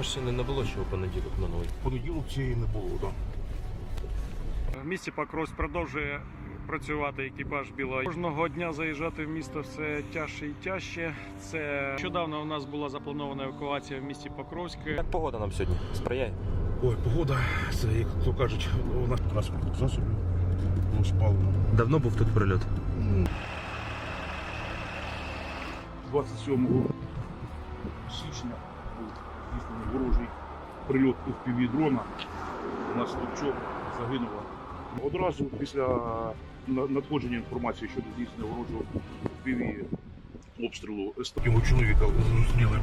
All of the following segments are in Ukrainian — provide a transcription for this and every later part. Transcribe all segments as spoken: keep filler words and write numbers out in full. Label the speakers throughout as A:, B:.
A: машини не було ще у понеділок минулий.
B: Понеділок цієї не було, так.
C: В місті Покровськ продовжує працювати екіпаж Білого. Кожного дня заїжджати в місто все тяжче і тяжче. Це нещодавно у нас була запланована евакуація в місті Покровськ.
A: Як погода нам сьогодні? Сприяє?
B: Ой, погода, це, як то кажуть, у нас транспортних засобів було спалено.
A: Давно був тут прильот?
B: двадцять сьомого січня був здійснений ворожий прильот у півдрона. У нас Товчок загинуло. Одразу після надходження інформації щодо здійснення ворожого піві обстрілу його чоловіка зустріли.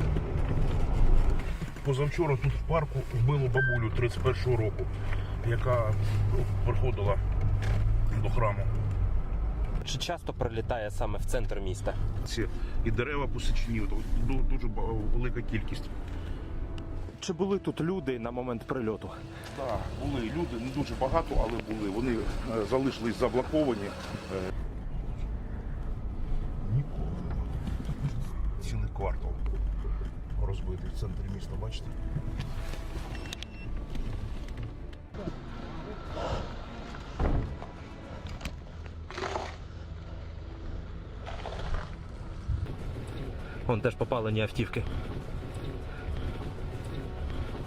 B: Позавчора тут в парку вбило бабулю тридцять першого року, яка ну, приходила до храму.
A: Чи часто прилітає саме в центр міста?
B: Ці і дерева посічені, дуже велика кількість.
A: Чи були тут люди на момент прильоту?
B: Так, були люди, не дуже багато, але були. Вони е, залишились заблоковані. Е, Нікого немає. Цілий квартал розбитий в центрі міста, бачите?
A: Вон теж попалені автівки.